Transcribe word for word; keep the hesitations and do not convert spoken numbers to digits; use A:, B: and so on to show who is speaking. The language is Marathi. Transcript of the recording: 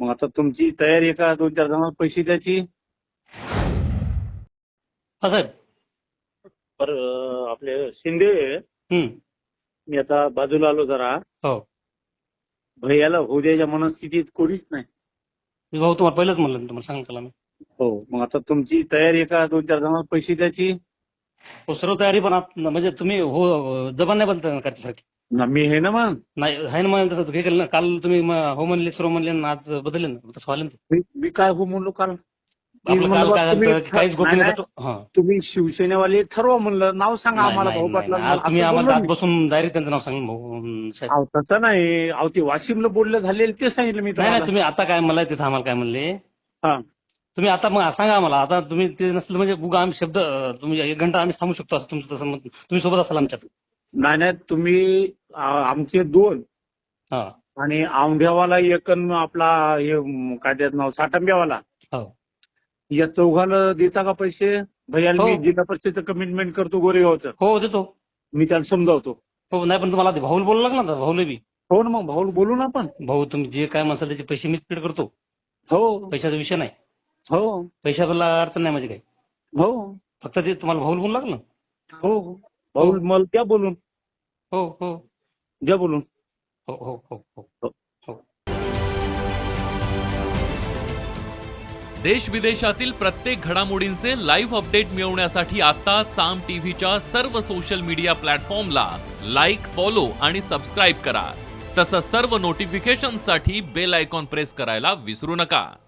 A: मग आता तुमची तयारी आहे का दोन चार जणांना पैसे द्यायची?
B: हा साहेब.
A: पर अं, आपले शिंदे
B: हम्म.
A: मी आता बाजूला आलो जरा.
B: हो.
A: भैयाला होऊ द्यायच्या मनस्थितीत कोणीच नाही.
B: मी भाऊ तुम्हाला पहिलंच म्हणलं ना, तुम्हाला सांगितलं मी.
A: हो, मग आता तुमची तयारी आहे का दोन चार जणांना पैसे द्यायची?
B: हो, सर्व तयारी पण आत- म्हणजे तुम्ही हो जबान नाही बदलता करण्यासाठी.
A: ना मी हे ना मग
B: नाही आहे ना मग तसं हे केलं ना, काल तुम्ही म- हो म्हणले सर्व म्हणले ना, आज बदलले ना, तसं व्हायला ना ते.
A: मी मी काय हो म्हणलो काल? मी
B: आपलं
A: म्हणलो
B: काल
A: बा
B: काय
A: तुम्ही
B: झालं की काहीच
A: ठ-
B: गोपनीय
A: नाही,
B: भेटो- हा.
A: तुम्ही शिवसेनेवाले ठरवा म्हणलं, नाव सांगा
B: नाही,
A: आम्हाला
B: नाही,
A: भाऊ
B: नाही,
A: पाटला.
B: नाही. आज तुम्ही आम्हाला आत बसून डायरेक्ट त्यांचं नाव सांगितलं भाऊ अं, साहेब.
A: अहो तसं नाही, अहो ते वाशिमला बोललं झालेलं ते सांगितलं मी
B: नाही
A: तुम्हाला.
B: नाही, तुम्ही आता काय मला तिथं आम्हाला काय म्हणले,
A: हा.
B: तुम्ही आता मग सांगा आम्हाला. आता तुम्ही ते नसलं म्हणजे उगा आम्ही शब्द अं, तुम्ही एक घंटा आम्ही थांबू शकतो असं तुमचं तसं मत- तुम्ही सोबत असाल आमच्यात.
A: नाही नाही, तुम्ही आ, आमचे दोन
B: हा.
A: आणि औंढ्यावाला एक अन आपला हे म, काय त्याचं नाव साटंब्यावाला,
B: हो
A: या चौघाला देता का पैसे? भैयाला
B: हो.
A: मी जिल्हा परिषदेचं कमिटमेंट करतो गोरेगावचं,
B: हो देतो.
A: मी त्याला समजावतो.
B: हो नाही पण तुम्हाला आधी भाऊला बोलावं लागणार ना, भाऊला बी.
A: हो ना, मग भाऊ बोलू ना आपण.
B: भाऊ तुम्ही जे काय मसाल त्याचे पैसे मीच पेड करतो.
A: हो
B: पैशाचा विषय नाही.
A: हो
B: पैशाला अडचण नाही म्हणजे काय.
A: हो
B: फक्त ते तुम्हाला भाऊला बोलू लागलं.
A: हो भाऊ मला द्या बोलून,
B: हो हो
A: द्या बोलून.
B: हो हो हो हो
A: हो.
B: हो.
C: देश विदेशातील प्रत्येक घडामोडींचे लाईव्ह अपडेट मिळवण्यासाठी आता साम टीव्हीच्या सर्व सोशल मीडिया प्लॅटफॉर्मला लाईक, फॉलो आणि सबस्क्राईब करा. तसंच सर्व नोटिफिकेशनसाठी बेल आयकॉन प्रेस करायला विसरू नका.